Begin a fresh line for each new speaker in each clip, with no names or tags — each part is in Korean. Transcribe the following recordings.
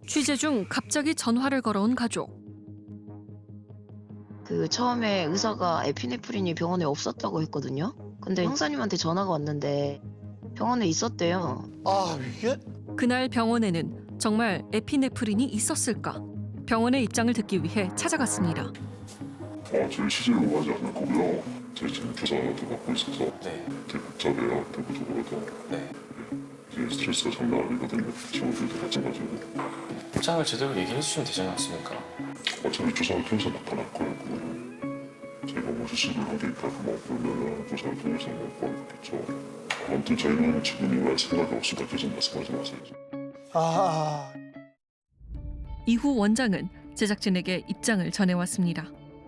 취재 중 갑자기 전화를 걸어온 가족.
처음에 의사가 에피네프린이 병원에 없었다고 했거든요. 근데 형사님한테 전화가 왔는데 병원에 있었대요.
아, 이게?
그날 병원에는 정말 에피네프린이 있었을까? 병원의 입장을 듣기 위해 찾아갔습니다.
저희 취재를 오가지 않을 거고요. 저희 지금 조사도 받고 있어서 되게 복잡해요. 내부적으로도. 이제 스트레스가 장난 아니거든요. 친구들도 마찬가지고.
입장을 제대로 얘기해 주시면 되지 않았습니까?
어차피 조사를 통해서 나타날 거고 저희가 뭐 수습을 한 게 있다고 뭐 그러면은 조사를 통해서 뭐 보겠죠. 아무튼 저희는 지금 이말 생각이 없으니까 계속 말씀하지 마세요.
아,
이후 원장은 제작진에게 입장을 전해왔습니다.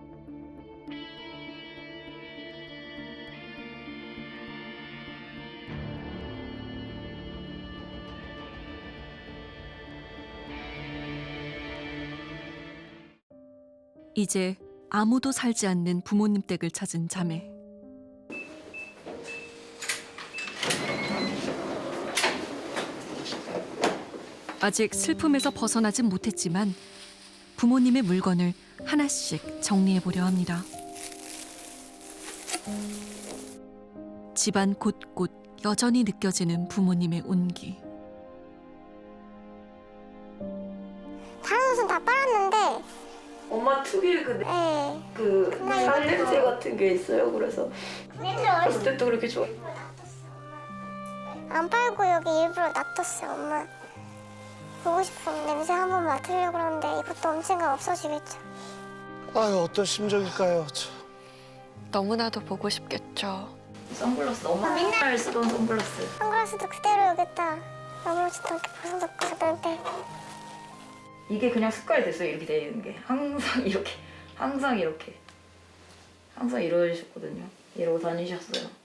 이제 아무도 살지 않는 부모님 댁을 찾은 자매. 아직 슬픔에서 벗어나진 못했지만 부모님의 물건을 하나씩 정리해보려 합니다. 집안 곳곳 여전히 느껴지는 부모님의 온기.
다른 옷은 다 빨았는데
엄마 특유의 그 살냄새 같은 게 있어요. 그래서 봤을 때도 그렇게 좋아.
안 빨고 여기 일부러 놔뒀어요. 엄마 보고 싶으면 냄새 한 번 맡으려고 그러는데 이것도 언젠가 없어지겠죠.
아유, 어떤 심정일까요? 참.
너무나도 보고 싶겠죠.
선글라스 엄마 맨날 쓰던 선글라스.
선글라스도 그대로 여기다 아무렇지도 않게 벗어놓고 자는데
이게 그냥 습관이 됐어요. 이렇게 되는 게 항상 이러셨거든요. 이러고 다니셨어요.